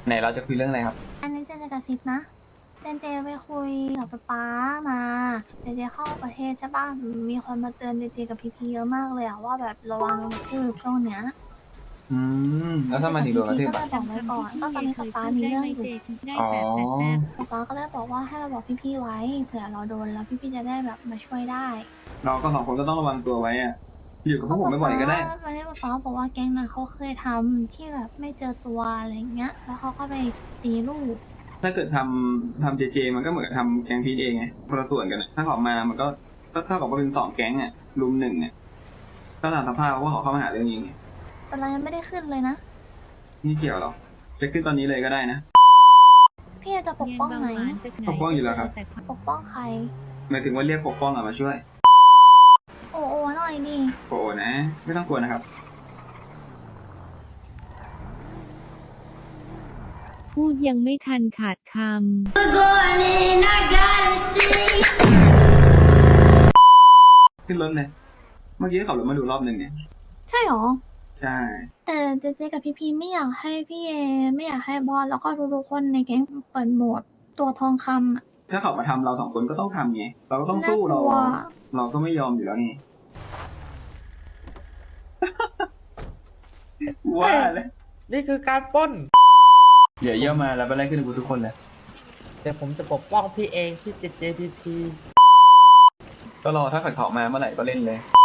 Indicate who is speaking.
Speaker 1: ไหนเราจะคุยเรื่องอะไรครับ
Speaker 2: อันนี้เจนจะกระซิบนะเจไปคุยกับป๊ามาเจเข้าประเทศใช่ป่ะมีคนมาเตือนเจกับพีเยอะมากเลยอะว่าแบบระวังโดนกระทืบช่วงเนี้ย
Speaker 1: อืมแล้วถ้ามันถึงโดนกระทืบ
Speaker 2: ก็
Speaker 1: อ่ะ
Speaker 2: เลยบอกไว้ก่อนก็ตอนนี้ป๊ามีเรื่องอยู่
Speaker 1: อ๋อ
Speaker 2: ป๊าก็เลยบอกว่าให้เราบอกพี่ไว้เผื่อเราโดนแล้วพี่จะได้แบบมาช่วยได้
Speaker 1: เราก็สองคนก็ต้องระวังตัวไว้อ่ะอยู่กับพวกผมไม่บ่อยก็ได้
Speaker 2: วันนี้ป๊าบอกว่าแก๊งนั้นเขาเคยทำที่แบบไม่เจอตัวอะไรเงี้ยแล้วเขาก็ไปตีลูก
Speaker 1: ถ้าเกิดทำเจมันก็เหมือนทำแก๊งพีทเองไงคนละส่วนกันอะถ้าเขามามันก็เท่ากับว่าเป็น2 แก๊งอ่ะรุม 1เนี่ยก็ตามสภาพว่าเขาเข้ามาหาเรื่องเองไง
Speaker 2: แต่เรายังไม่ได้ขึ้นเลยนะ
Speaker 1: นี่เกี่ยวหรอจะขึ้นตอนนี้เลยก็ได้นะ
Speaker 2: พี่จะปกป้องไหม
Speaker 1: ปกป้องอยู่แล้วครับ
Speaker 2: ปกป้องใคร
Speaker 1: หมายถึงว่าเรียกปกป้องอะมาช่วย
Speaker 2: โอ้หน่อยดิ
Speaker 1: โอ้นะ ไม่ต้องกลัวนะครับ
Speaker 3: พูดยังไม่ทันขาดคำ
Speaker 1: ขึ้นรถเลย เมื่อกี้ขับรถมาดูรอบหนึ่งเนี่ย
Speaker 2: ใช่หรอ
Speaker 1: ใช่
Speaker 2: แต่เจกับพี่ไม่อยากให้พี่เอไม่อยากให้บอสแล้วก็ทุกๆคนในแก๊งเปิดโหมดตัวทองคำอะ
Speaker 1: ถ้าเขามาทำเรา2 คนก็ต้องทำไงเราก็ต้องสู้
Speaker 2: น่ากลัว
Speaker 1: เราก็ไม่ยอมอยู่แล้วไง ว่าเลย
Speaker 4: นี่คือการปล้น
Speaker 1: เดี๋ยวเยี่ยมมาแล้วไปไล่ขึ้นกูทุกคนเลย
Speaker 4: เดี๋ยวผมจะปกป้องพี่เองที่ JJPP
Speaker 1: ก็รอถ้าเขามาเมื่อไหร่ก็เล่นเลย